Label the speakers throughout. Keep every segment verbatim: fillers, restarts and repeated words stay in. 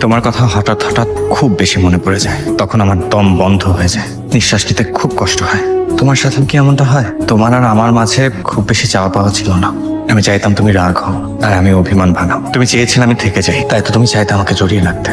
Speaker 1: তোমার কথা হঠাৎ হঠাৎ খুব বেশি মনে পড়ে যায়, তখন আমার দম বন্ধ হয়ে যায়, নিঃশ্বাস নিতে খুব কষ্ট হয়। তোমার সাথে কি এমনটা হয়? তোমার আর আমার মাঝে খুব বেশি চাওয়া পাওয়া ছিল না। আমি চাইতাম তুমি রাগ হও আর আমি অভিমান ভাঙাও। তুমি চেয়েছিলে আমি থেকে যাই, তাই তো তুমি চাইতে আমাকে জড়িয়ে রাখতে।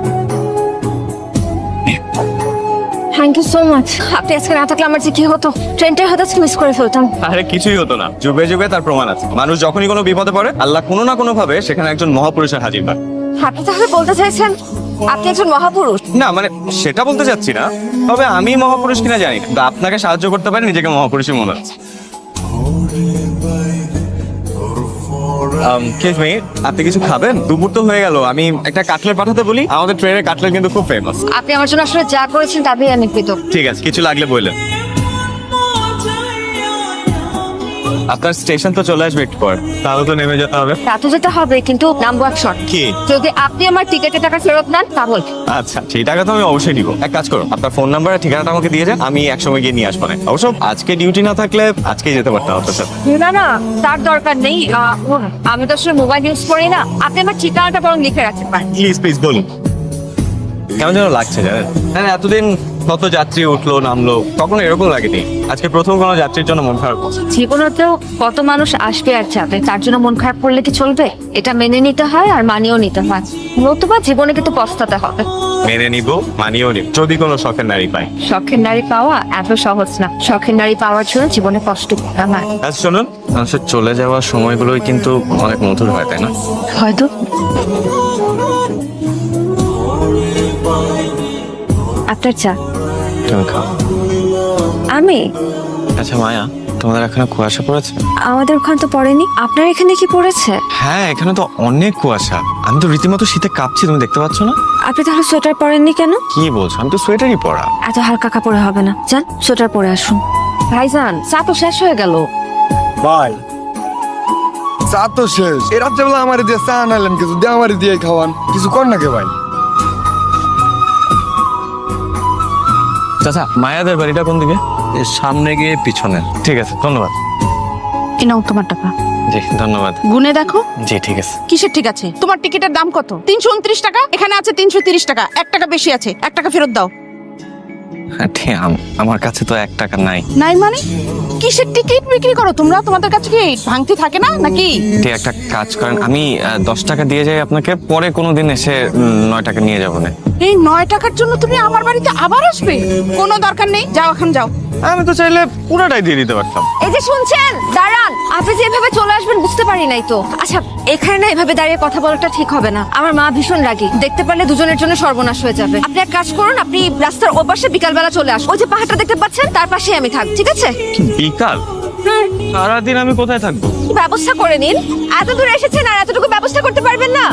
Speaker 2: Thank you so much. আপনি আজকে না থাকলে আমার যে কি হতো, ট্রেনটাই হয়তো মিস করে ফেলতাম।
Speaker 1: আরে কিছুই হতো না, যুগে যুগে তার প্রমাণ আছে। মানুষ যখনই কোনো বিপদে পড়ে আল্লাহ কোনো না কোনো ভাবে সেখানে একজন মহাপুরুষের হাজির হয়।
Speaker 2: আপনি তাহলে বলতে চাইছেন আপনি একজন মহাপুরুষ?
Speaker 1: না মানে সেটা বলতে চাচ্ছি না, তবে আমি মহাপুরুষ কিনা জানি না, কিন্তু আপনাকে সাহায্য করতে পারি নিজেকে মহাপুরুষই মনে হচ্ছে। Excuse me, আপনি কিছু খাবেন? দুপুর তো হয়ে গেল, আমি একটা কাটলেট পাঠাতে বলি, আমাদের ট্রেনের কাটলেট কিন্তু খুব ফেমাস।
Speaker 2: আপনি আমার জন্য আসলে যা করেছেন তাতেই আমি কৃতজ্ঞ।
Speaker 1: ঠিক আছে, কিছু লাগলে বললেন। আপনার স্টেশন তো চলে আসবে একটু পর, তাহলে তো নেমে যেতে হবে।
Speaker 2: তা তো যেতে হবে, কিন্তু নামবো এক শর্ত।
Speaker 1: কি?
Speaker 2: যদি আপনি আমার টিকেটের টাকা ফেরত নেন তা বল।
Speaker 1: আচ্ছা, সেই টাকা তো আমি অবশ্যই দিব। এক কাজ করুন, আপনার ফোন নাম্বার আর ঠিকানাটা আমাকে দিয়ে যান, আমি একসময় গিয়ে নিয়ে আসবো। না অবশ্য আজকে ডিউটি না থাকলে আজকেই যেতে পারতাম আপনার সাথে।
Speaker 2: না না, তার দরকার নেই। আহ, আমি তো আসলে মোবাইল ইউজ করি না, আপনি আমার ঠিকানাটা বরং লিখে রাখতে পারেন।
Speaker 1: প্লিজ প্লিজ বলুন। কেমন যেন লাগছে জানেন? হ্যাঁ, এতদিন কত যাত্রী উঠলো নামলো, তখন এরকম লাগেনি। আজকে প্রথম কোনো যাত্রীর জন্য মন খারাপ করছে।
Speaker 2: জীবনেতেও কত মানুষ আসবে আর যাবে, তার জন্য মন খারাপ করলে কি চলবে? এটা মেনে নিতে হয় আর মানিয়েও নিতে হয়, নতুবা জীবনে কিন্তু পস্তাতে হবে।
Speaker 1: মেনে নিব, মানিয়েও নিব, যদি কোনো শখের নারী পাই।
Speaker 2: শখের নারী পাওয়া এত সহজ না, শখের নারী পাওয়ার জন্য জীবনে কষ্ট করতে হয়।
Speaker 1: আচ্ছা শুনুন, মানুষের চলে যাওয়ার সময়গুলোই কিন্তু অনেক মধুর হয়, তাই না?
Speaker 2: হয়তো। আপনার চা।
Speaker 1: তুমি খাও।
Speaker 2: আমি?
Speaker 1: আচ্ছা মায়া, তোমাদের এখানে কুয়াশা পড়েছে?
Speaker 2: আমাদের ওখানে তো পড়েনি, আপনার এখানে কি পড়েছে?
Speaker 1: হ্যাঁ, এখানে তো অনেক কুয়াশা, আমি তো রীতিমতো শীতে কাঁপছি, তুমি দেখতে পাচ্ছ না?
Speaker 2: আপনি তাহলে সোয়েটার পরেননি কেন?
Speaker 1: কি বলছো, আমি তো সোয়েটারই পরা।
Speaker 2: এত হালকা কাপড়ে হবে না, যান সোয়েটার পরে আসুন। ভাইজান, চা তো শেষ হয়ে গেল।
Speaker 3: ভাই চা তো শেষ, এই রাত্রেবেলা আমার দিয়ে চা আনালেন কিছু দিয়ে আমার দিয়ে খাওয়ান, কিছু কর না কে ভাই?
Speaker 1: চাচা, মায়াদের বাড়িটা কোন দিকে? সামনে গিয়ে পিছনে। ঠিক আছে, ধন্যবাদ।
Speaker 4: এই নাও তোমার টাকা।
Speaker 1: জি ধন্যবাদ।
Speaker 4: গুনে দেখো।
Speaker 1: জি ঠিক আছে।
Speaker 4: কিসের ঠিক আছে? তোমার টিকিটের দাম কত? তিনশো উনত্রিশ টাকা, এখানে আছে তিনশো তিরিশ টাকা, এক টাকা বেশি আছে, এক টাকা ফেরত দাও।
Speaker 1: হ্যাঁ, ঠিক, আম- আমার কাছে তো এক টাকা নাই।
Speaker 4: নাই মানে? কিসের টিকিট বিক্রি করো তোমরা? তোমাদের কাছে কি ভাঙতি থাকে না নাকি?
Speaker 1: ঠিক, একটা কাজ করেন, আমি আহ, দশ টাকা দিয়ে যাই আপনাকে, পরে কোনো দিন এসে উম, নয় টাকা নিয়ে যাবো না।
Speaker 4: এই নয় টাকার জন্য তুমি আমার বাড়িতে আবার আসবে? কোনো দরকার নেই, যাও এখন যাও।
Speaker 1: আমি তো চাইলে পুরোটাই দিয়ে দিতে পারতাম।
Speaker 2: এই যে শুনছেন, দাঁড়ান। আপনি যে এভাবে চলে আসবেন বুঝতে পারি নাই তো। আচ্ছা, এখানে না এভাবে দাঁড়িয়ে কথা বলাটা ঠিক হবে না। আমার মা ভীষণ রাগী, দেখতে পারলে দুজনের জন্য সর্বনাশ হয়ে যাবে। আপনি এক কাজ করুন, আপনি রাস্তার ওপাশে বিকালবেলা চলে আসুন। ওই যে পাহাড়টা দেখতে পাচ্ছেন, তার পাশেই আমি থাক, ঠিক আছে?
Speaker 1: বিকাল? সারাদিন আমি কোথায় থাকবো?
Speaker 2: ব্যবস্থা করে নিন। এত দূরে এসেছেন আর এতটুকু ব্যবস্থা করতে পারবেন না?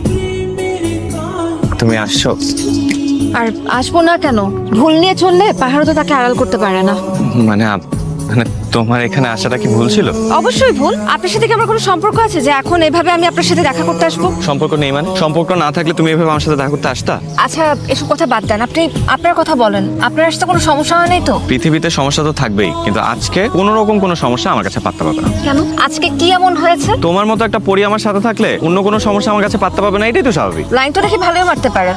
Speaker 1: তুমি আসছো?
Speaker 2: আর আসবো না কেন? ভুল নিয়ে চললে পাহাড়ও তো তাকে আড়াল করতে পারে না।
Speaker 1: মানে আপ- মানে তোমার এখানে আসাটা কি ভুল ছিল?
Speaker 2: অবশ্যই ভুল। আপনার সাথে কি আমার কোনো সম্পর্ক আছে যে এখন এভাবে আমি আপনার সাথে দেখা করতে আসবো?
Speaker 1: সম্পর্ক নেই মানে? সম্পর্ক না থাকলে তুমি এভাবে আমার সাথে দেখা করতে আসতা?
Speaker 2: আচ্ছা, এসব কথা বাদ দেন, আপনি আপনার কথা বলেন। আপনার আসতে কোনো সমস্যা হয় নাই তো?
Speaker 1: পৃথিবীতে সমস্যা তো থাকবেই, কিন্তু আজকে কোনো রকম কোনো সমস্যা আমার কাছে পাত্তা পাবে না।
Speaker 2: কেন? আজকে কি এমন হয়েছে?
Speaker 1: তোমার মতো একটা পরি আমার সাথে থাকলে অন্য কোনো সমস্যা আমার কাছে পাত্তা পাবে না, এটাই তো স্বাভাবিক।
Speaker 2: লাইন তো দেখি ভালোই মারতে পারে।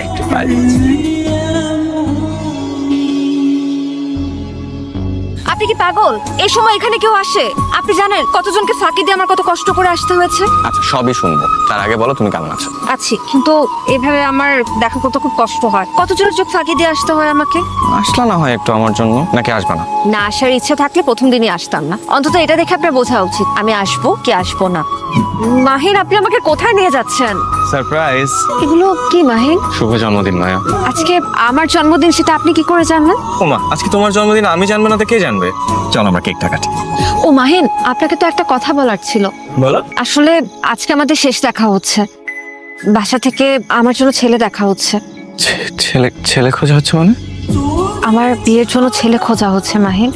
Speaker 2: আপনি কি পাগল? এই সময় এখানে কেউ আসে? আপনি জানেন কতজনকে ফাঁকি দিয়ে আমার কত কষ্ট করে আসতে হয়েছে?
Speaker 1: আচ্ছা সবই শুনবো, তার আগে বলো তুমি কেমন আছো?
Speaker 2: আছি, কিন্তু এভাবে আমার দেখা করতে খুব কষ্ট হয়। কতজনের চোখ ফাঁকি দিয়ে আসতে হয় আমাকে।
Speaker 1: আসলা না হয় একটু আমার জন্য, নাকি আসবে না?
Speaker 2: না আসার ইচ্ছা থাকলে প্রথম দিনই আসতাম না। অন্তত এটা দেখে আপনার বোঝা উচিত আমি আসবো কি আসবো না। মাহিন, আপনি আমাকে কোথায় নিয়ে যাচ্ছেন?
Speaker 1: সারপ্রাইজ।
Speaker 2: এগুলো কি মাহিন?
Speaker 1: শুভ জন্মদিন মায়া।
Speaker 2: আজকে আমার জন্মদিন, সেটা আপনি কি করে জানলেন?
Speaker 1: ওমা, আজকে তোমার জন্মদিন, আমি জানবো না তো কে জানবে? চল আমরা কেকটা কাটি।
Speaker 2: ও মাহিন, আপনাকে তো একটা কথা বলার ছিল।
Speaker 1: বলো।
Speaker 2: আসলে আজকে আমাদের শেষ দেখা হচ্ছে। বাসা থেকে আমার জন্য ছেলে দেখা হচ্ছে।
Speaker 1: ছেলে? ছেলে খোঁজা হচ্ছে মানে?
Speaker 2: আমার বিয়ের জন্য ছেলে খোঁজা হচ্ছে মাহিন।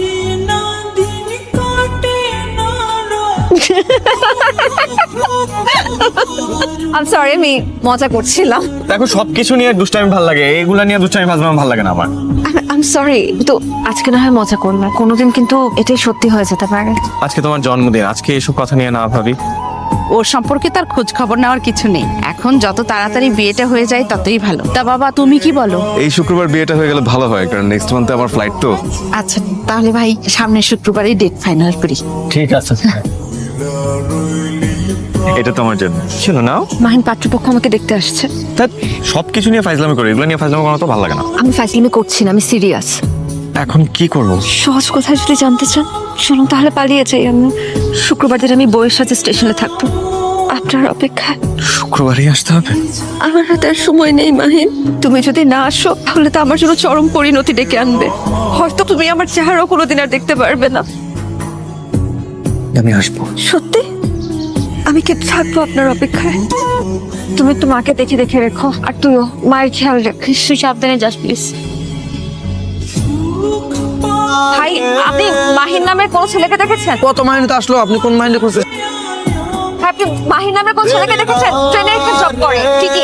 Speaker 2: I'm sorry, আমি মজা করছিলাম।
Speaker 1: দেখো, সবকিছু নিয়ে দুষ্টামি ভালো লাগে, এইগুলা নিয়ে দুষ্টামি ভাজলাম ভালো লাগে না আমার।
Speaker 2: I'm sorry, তো আজকে না হয় মজা করলাম, কোনোদিন কিন্তু এটাই সত্যি হয়ে যেতে পারে।
Speaker 1: আজকে তোমার জন্মদিন, আজকে এসব কথা নিয়ে না ভাবি।
Speaker 4: ওর সম্পর্কে তার খোঁজ খবর নেওয়ার কিছু নেই। এখন যত তাড়াতাড়ি বিয়েটা হয়ে যায় ততই ভালো। তা বাবা তুমি কি বলো?
Speaker 5: এই শুক্রবার বিয়েটা হয়ে গেলে ভালো হয়, কারণ নেক্সট মান্থে আমার ফ্লাইট তো।
Speaker 4: আচ্ছা তাহলে ভাই সামনের শুক্রবারই ডেট ফাইনাল করি।
Speaker 1: ঠিক আছে।
Speaker 5: এটা তোমার জন্য ছিল নাও।
Speaker 2: মাহিন পাত্রপক্ষ আমাকে দেখতে আসছে।
Speaker 5: সব কিছু নিয়ে ফাইজলামি করে, এগুলো নিয়ে ফাইজলামি করা তো ভালো লাগে না।
Speaker 2: আমি ফাইজলামি করছি না, আমি সিরিয়াস।
Speaker 5: এখন কি করব?
Speaker 2: সহজ কোথায় যদি জানতে চান, শুনুন তাহলে পালিয়ে যাই আমি। শুক্রবার দিন আমি বউয়ের সাথে স্টেশনে থাকবো আপনার অপেক্ষায়।
Speaker 5: শুক্রবারই আসতে হবে?
Speaker 2: আমার হাতে আর সময় নেই মাহিন। তুমি যদি না আসো তাহলে তো আমার জন্য চরম পরিণতি ডেকে আনবে। হয়তো তুমি আমার চেহারাও কোনোদিন আর দেখতে পারবে না।
Speaker 1: আমি আসবো।
Speaker 2: সত্যি? আমি কি থাকবো আপনার অপেক্ষায়? তুমি একটু মাকে দেখে দেখে রেখো, আর তুইও মায়ের খেয়াল রাখিস। তুই সাবধানে যাস প্লিজ। ভাই আপনি মাহিন নামের কোন ছেলেকে দেখেছেন?
Speaker 3: কত মাইনে তো আসলো, আপনি কোন মাইনে করছেন?
Speaker 2: ভাই, আপনি মাহিন নামের কোন ছেলেকে দেখেছেন? ট্রেনে একটা জব করে ঠিকই।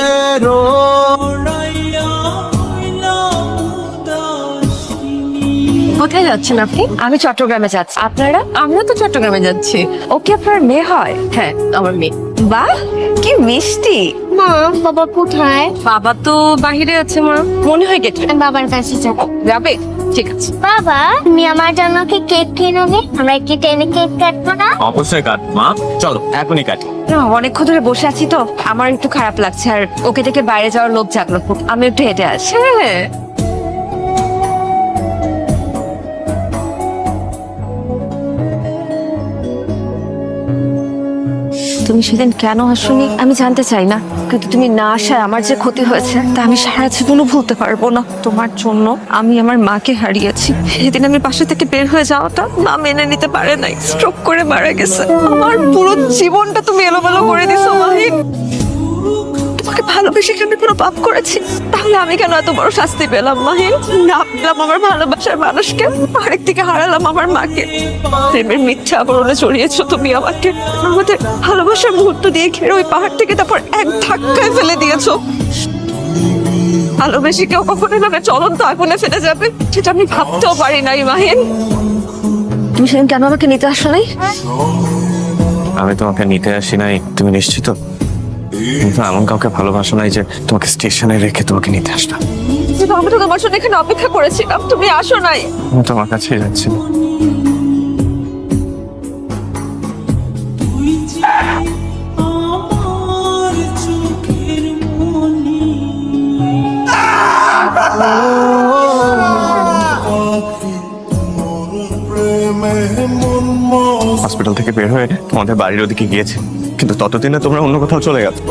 Speaker 2: কোথায় যাচ্ছেন আপনি? আমি চট্টগ্রামে যাচ্ছি। আপনারা?
Speaker 6: আমরা তো চট্টগ্রামে যাচ্ছি।
Speaker 2: ওকে আপনার মেয়ে হয়?
Speaker 6: হ্যাঁ আমার মেয়ে।
Speaker 2: বাহ কি মিষ্টি।
Speaker 7: মা বাবা কোথায়?
Speaker 6: বাবা তো বাহিরে আছে মা, মনে হয় গেছে।
Speaker 7: আমি বাবার কাছে যাব।
Speaker 6: যাবে? ঠিক আছে।
Speaker 7: বাবা তুমি আমার জন্য কি কেক কিনোনি? আমরা কি ট্রেনে কেক কাটবো না?
Speaker 5: অবশ্যই কাট মা, চলো এখনই কাটি।
Speaker 2: না, অনেকক্ষণ ধরে বসে আছি তো আমার একটু খারাপ লাগছে, আর ওকে থেকে বাইরে যাওয়ার লোভ জাগলো খুব। আমি একটু হেঁটে আসি।
Speaker 6: হ্যাঁ
Speaker 2: তুমি সেদিন কেন আসোনি আমি জানতে চাই না, কিন্তু তুমি না আসায় আমার যে ক্ষতি হয়েছে তা আমি সারা জীবনও ভুলতে পারবো না। তোমার জন্য আমি আমার মাকে হারিয়েছি। সেদিন আমি বাসা থেকে বের হয়ে যাওয়াটা মা মেনে নিতে পারে নাই, স্ট্রোক করে মারা গেছে। আমার পুরো জীবনটা তুমি এলোমেলো করে দিছো মাহিন। তোমাকে ভালোবেসে কি আমি কোনো পাপ করেছি? তাহলে আমি কেন এত বড় শাস্তি পেলাম মাহিন? না পেলাম আমার ভালোবাসার মানুষকে, আরেক দিকে হারালাম আমার মাকে। প্রেমের মিথ্যা আবরণে জড়িয়েছো তুমি আমাকে। আমাদের ভালোবাসার মুহূর্ত দিয়ে ঘিরে ওই পাহাড় থেকে তারপর এক ধাক্কায় ফেলে দিয়েছো। ভালোবেসে কেউ কখনো না চলন্ত আগুনে ফেলে যাবে সেটা আমি ভাবতেও পারি নাই মাহিন। তুমি সেদিন কেন আমাকে নিতে আসো নাই?
Speaker 5: আমি তোমাকে নিতে আসি নাই, তুমি নিশ্চিত? কিন্তু এমন কাউকে ভালোবাসো নাই যে তোমাকে স্টেশনে রেখে তোমাকে নিতে আসলাম।
Speaker 2: কিন্তু আমি তো তোমার জন্য এখানে অপেক্ষা করেছিলাম, তুমি আসো নাই।
Speaker 5: আমি তোমার কাছেই যাচ্ছিল। হসপিটাল থেকে বের হয়ে তোমাদের বাড়ির ওদিকে গিয়েছে, কিন্তু ততদিনে তোমরা অন্য কোথাও চলে গেছো।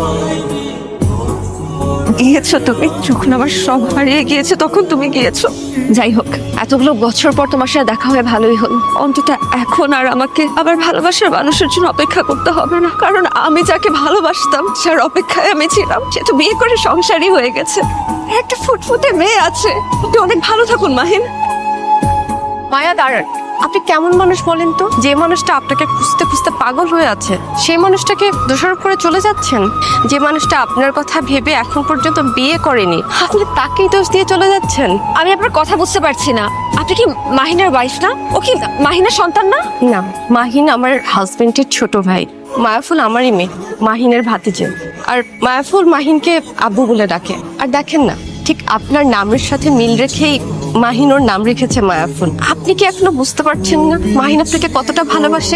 Speaker 2: গিয়েছো তুমি যখন আমার সব হারিয়ে গিয়েছে তখন তুমি গিয়েছো। যাই হোক, এতগুলো বছর পর তোমার সাথে দেখা হয়ে ভালোই হলো। অন্তত এখন আর আমাকে আবার ভালোবাসার মানুষের জন্য অপেক্ষা করতে হবে না, কারণ আমি যাকে ভালোবাসতাম যার অপেক্ষায় আমি ছিলাম সে তো বিয়ে করে সংসারই হয়ে গেছে, একটা ফুটফুটে মেয়ে আছে। আপনি অনেক ভালো থাকুন মাহিন।
Speaker 6: মায়া দাঁড়ান, আপনি কেমন মানুষ বলেন তো? যে মানুষটা আপনাকে খুঁজতে খুঁজতে পাগল হয়ে আছে সেই মানুষটাকে দোষারোপ করে চলে যাচ্ছেন। যে মানুষটা আপনার কথা ভেবে এখন পর্যন্ত বিয়ে করেনি আপনি তাকেই দোষ দিয়ে চলে যাচ্ছেন।
Speaker 2: আমি আপনার কথা বুঝতে পারছি না। আপনি কি মাহিনের ওয়াইফ না? ও কি মাহিনের সন্তান না?
Speaker 6: না, মাহিন আমার হাজবেন্ডের ছোট ভাই, মায়াফুল আমারই মেয়ে, মাহিনের ভাতিজে। আর মায়াফুল মাহিনকে আব্বু বলে ডাকে। আর দেখেন না, ঠিক আপনার নামের সাথে মিল রেখেই মাহিন ওর নাম রেখেছে মায়াফুল। আপনি কি এখনো বুঝতে পারছেন না মাহিন আপনাকে কতটা ভালোবাসে?